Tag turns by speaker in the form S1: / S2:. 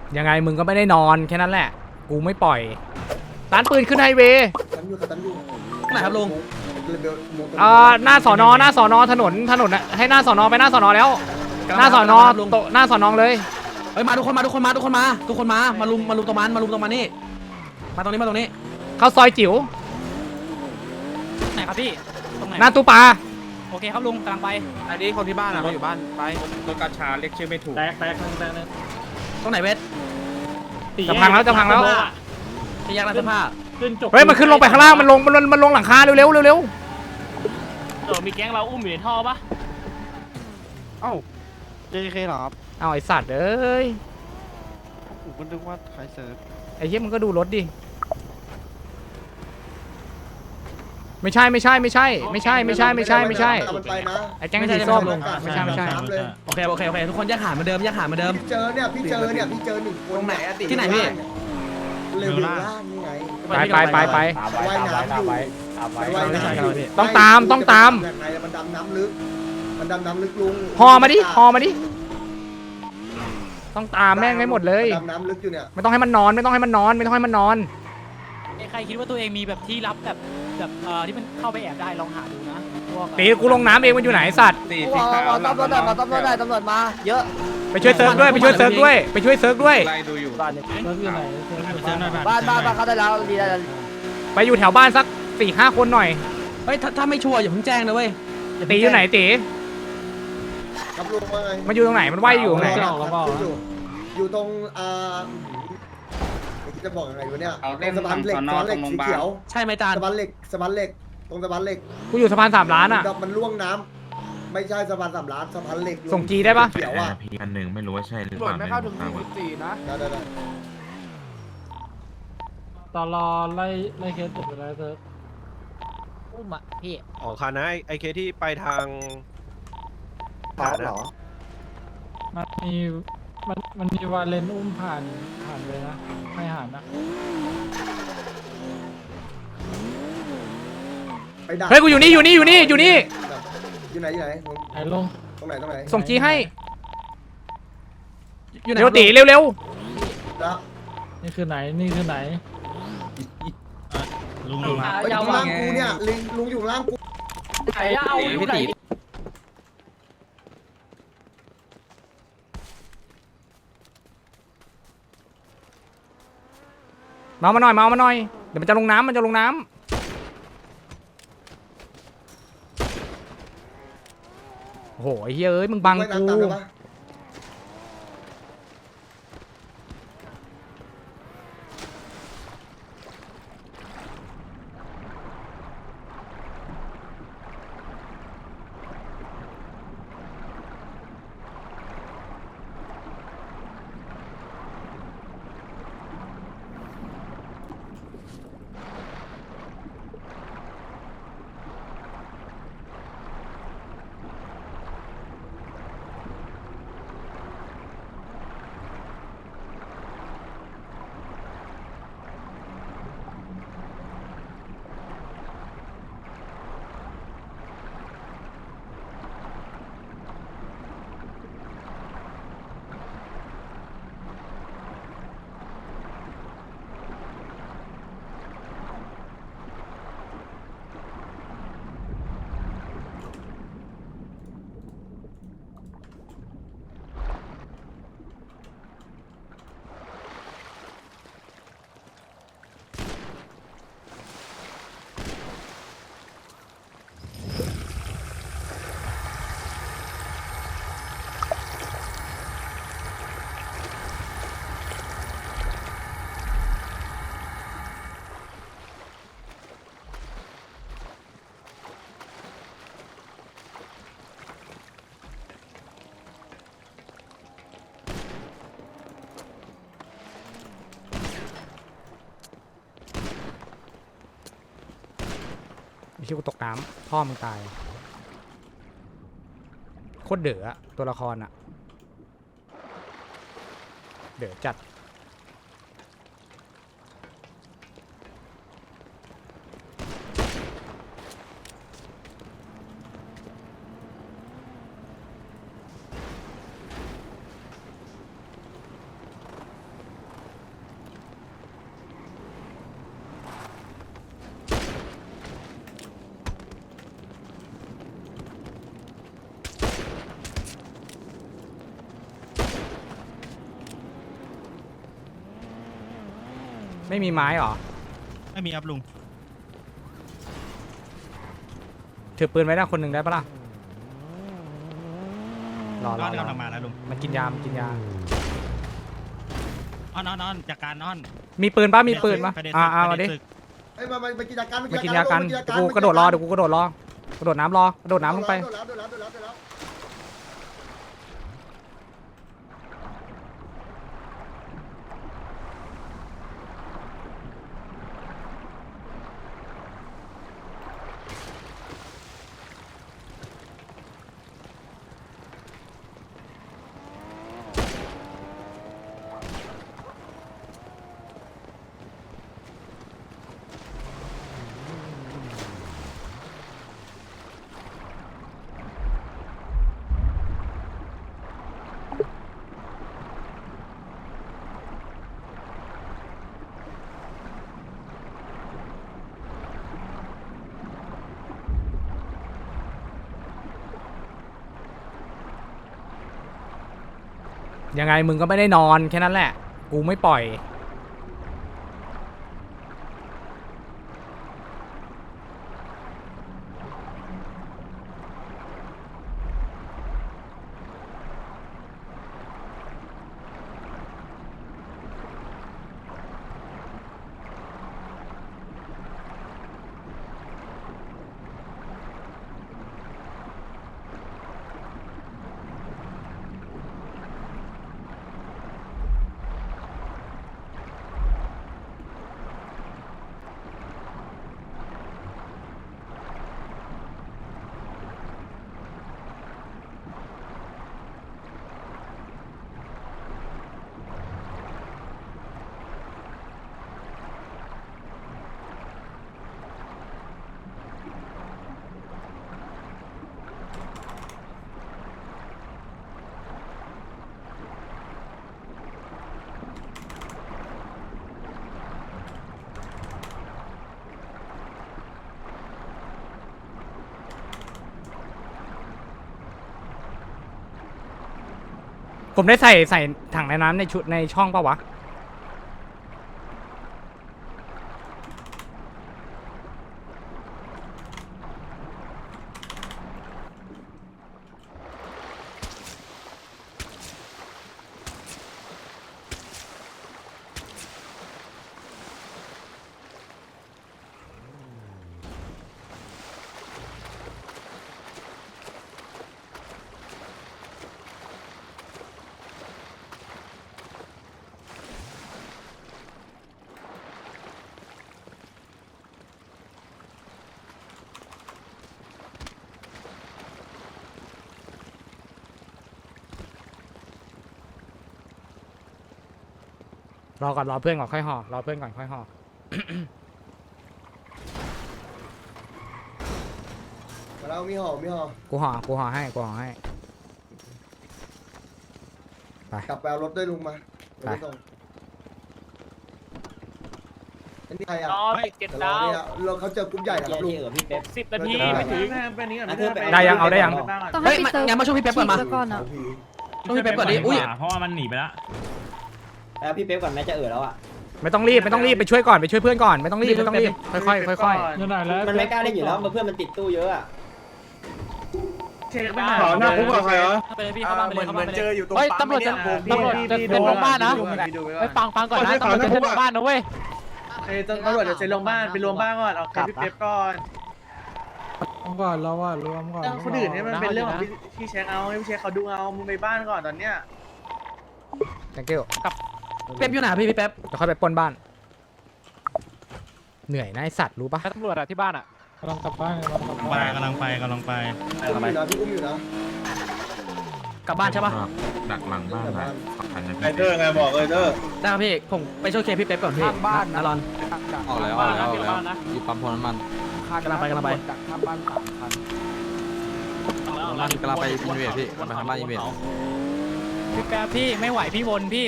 S1: ยังไงมึงก็ไม่ได้นอนแค่นั้นแหละกูไม่ปล่อยร้านปืนขึ้นไฮเวย์
S2: ตันอยู่
S3: ไหนครับลุง
S1: หน้าสอนอถนนอะให้หน้าสอนอไปหน้าสอนอแล้วหน้าสอนอโตหน้าสอนอเลย
S3: เฮ้ยมาทุกคนมาลุมตรงมันนี่มาตรงนี้
S1: เข้าซอยจิ๋ว
S4: ไหนครับพี่ตรงไหน
S1: หน้าตู้ปลา
S4: โอเคครับลุงกำลังไป
S3: อันนี้คนที่บ้านอะเขาอยู่บ้านไป
S5: รถกาชาเรียกชื่อไม่ถูก
S4: แตก
S3: ตรงไหนเวท
S1: จะพังแล้ว
S3: ที่แยกร้านเสื้อผ้า
S4: ขึ้นจบ
S1: เฮ้ยมันขึ้นลงไปข้างล่างมันลงหลังคาเร็ว
S4: มีแก๊งเราอุ้มอยู่ในท่อปะ
S2: เอ้า JK เหรอครับ
S1: เอาไอสัตว์เอ้ย
S2: ผมก็นึกว่าใครเซิร์ฟ
S1: ไอ้เหี้ยมึงก็ดูรถดิไม่ใช่ไอ้แก๊งสีส้มไม่ใช่
S3: โอเคทุกคนแยกหาเหมือนเดิม
S2: พี่เจอหนึ่งคน
S3: ตรงไหนอะที่ไหนพี่
S2: เร็วล่างนี่ไง
S1: ไป
S2: ว่ายน้ำอยู่
S1: ต้องตาม
S2: มันดำน้ำลึกลุง
S1: ห่อมาดิต้องตามแม่งให้หมดเลย
S2: ดำน้ำลึกอยู่เนี่ย
S1: ไม่ต้องให้มันนอน
S4: ใครคิดว่าตัวเองมีแบบที่ลับแบบที่มันเข้าไปแอบได้ลองหาดูนะพวก
S1: ตีกูลงน้ำเองมันอยู่ไหนสัตว์
S5: สีขาว
S6: ตำรวจมาเยอะ
S1: ไปช่วยเซิร์ฟด้วยไล่ดูอยู่
S6: บ้านเขาได้แล้วดีแล้ว
S1: ไปอยู่แถวบ้านสัก 4-5 คนหน่อย
S3: เฮ้ยถ้าไม่ชัวร์อย่าเพิ่งแจ้งนะเว้ย
S1: ตีอยู่ไหนตี
S2: ครับลุงว่าไง
S1: มันอยู่ตรงไหนมันว่ายอยู่ตรงไหน
S2: อยู่ตรงจะบอกยังไงวะเนี่ย
S5: เอาเล่น
S2: สะพานเหล็ก
S5: สอนอตรงโรงพยาบาล
S2: สีเขียว
S3: ใช่ไหมจาน
S2: สะพานเหล็กตรงสะพานเหล็ก
S1: กูอยู่สะพาน3 ล้านอ่ะ
S2: มันล่วงน้ำไม่ใช่สะพาน3 ล้านสะพานเหล็ก
S1: ส่งจีได้ปะ
S2: เขียวอ่ะ
S7: พีอันหนึ่งไม่รู้ว่าใช่หรือเปล่า
S6: ไม่เข้าถึง44นะ
S2: ได้
S4: ตอนรอไล่เคสจบไปแล้วเซิร์ฟ
S6: อุ้มอ่ะพี่
S8: อ๋อคันนะไอเคที่ไปทาง
S2: ต่อเหรอ
S4: มันมีวาเลนอุ้มผ่านเลยนะไม่ผ่านนะ
S2: ไปดัก
S1: เฮ้ยกูอยู่นี่
S2: อยู่ไหน
S4: ไอ้ลง
S2: ตรงไหน
S1: ส่งจีให้
S3: อยู่ไหน
S1: เร็วตีเร็ว
S2: แล้ว
S4: นี่คือไหนลุง
S2: อยู่ล่างกูเนี่ยลุงอยู่ล่างกู
S4: ไหนเอาอยู่ไหน
S1: มาหน่อยเดี๋ยวมันจะลงน้ำโอ้โหไอ้เฮ้ยเอ้ยมึงบัง
S2: ว่าย
S1: กู
S2: น้ำตามได้ปะ
S1: ไอ้ที่กูตกน้ำพ่อมึงตายโคตรเด๋ออะตัวละครอะเด๋อจัดไม่มีไม้หรอ
S7: ไม่มีครับลุง
S1: ถือปืนไว้หน้าคนหนึ่งได้ปะล่ะรอ
S7: นอนกำลังมาแล้วลุง
S1: มันกินยามันกินยา
S7: อ้อนจากการอ้อน
S1: มีปืนปะมีปืนปะ
S7: ไปเด็ด
S1: มาดิ
S7: ศึก
S9: ไอ้มากินยากัน
S1: มากินยากันเดี๋ยวกูกระโดดรอเดี๋ยวกูกระโดดรอกระโดดน้ำรอกระโดดน้ำลงไป
S9: โดนแล้ว
S1: ยังไงมึงก็ไม่ได้นอนแค่นั้นแหละ กูไม่ปล่อย ผมได้ใส่ถังในน้ำในชุดในช่องปะวะ รอก่อนรอเพื่อนก่อนค่อยห่อรอเพื่อนก่อนค่อยห่อ
S9: เรามีห่อ
S1: กูห่อให้กูห่อให้
S9: กลับไปเอารถด้วยลุงมา
S1: ไป
S9: อันนี้ใครอ่ะ
S4: เก็บดาว
S9: เราเขาเจอกลุ่มใหญ่นะครับลุง
S4: 10 นาทีไม่ถึง
S1: ได้ยังเอาได้ยัง
S3: เฮ้ยงั้นมาช่วยพี่เป๊ปก่อนมา
S6: ก่อนนะ
S3: ช่วยพี่เป๊ปก่อนดิอุ้ย
S7: เพราะว่ามันหนีไปแล้ว
S6: แล้วพี่เป๊ปก่อนแม่จะแล้วอ่ะ
S1: ไม่ต้องรีบไปช่วยก่อนไปช่วยเพื่อนก่อนไม่ต้องรีบค่อยๆค่อย
S6: มันไม่กล้าเล่นอยู่แล้วเพื่อนมันติดตู้เยอะอ่ะ
S4: เช็คไม่
S8: หน้าคุกกับใครวะ
S4: ไปเลยพี่เข้าบ้านไปเลยเข้าบ้านไปเลย
S2: เฮ้ยตำรวจจะ
S4: ตำรวจจะเซ็นลงบ้านนะไปฟังก่อนนะตำรวจจะเซ็นลงบ้านนะเว้ย
S2: ตำรวจจะเซ็นลงบ้านไปรวมบ้านก่อนเอาพี่เป๊ปก่อน
S3: ก่อนเราว่ารวมก่อน
S2: คนอื่นเนี่ยมันเป็นเรื่องของพี่เช็คเอาให้พี่เช็คเขาดูเอามึงไปบ้านก่อนตอนเนี้ย
S1: thank you
S3: เป๊ปอยู่ไหนพี่เป๊ป
S1: จะค่อยไปปล้นบ้าน เหนื่อยนะไอสัตว์รู้ปะ
S4: ตำรวจอะที่บ้านอะ
S3: กำลังกลับบ้าน
S7: กำลังไป
S9: พี่อุ้มอยู่นะ
S3: กลับบ้านใช่ปะ
S5: ดักหลังบ้านนะ
S8: ไอเตอร์ไงบอกเลยเตอร์
S3: ได้ครับพี่ผมไปช่วยเคลียร์พี่เป๊ปก่อนพี่บ้านนะรอน
S4: ออกแล้ว
S3: อยู่ปั๊มพลน้ำมันกำลังไป
S2: ข้างบ้าน3 คัน
S3: กำลังไปอินเวสพี่กำลังไปทำบ้านอินเวส
S4: พี่แป๊บพี่ไม่ไหวพี่วนพี่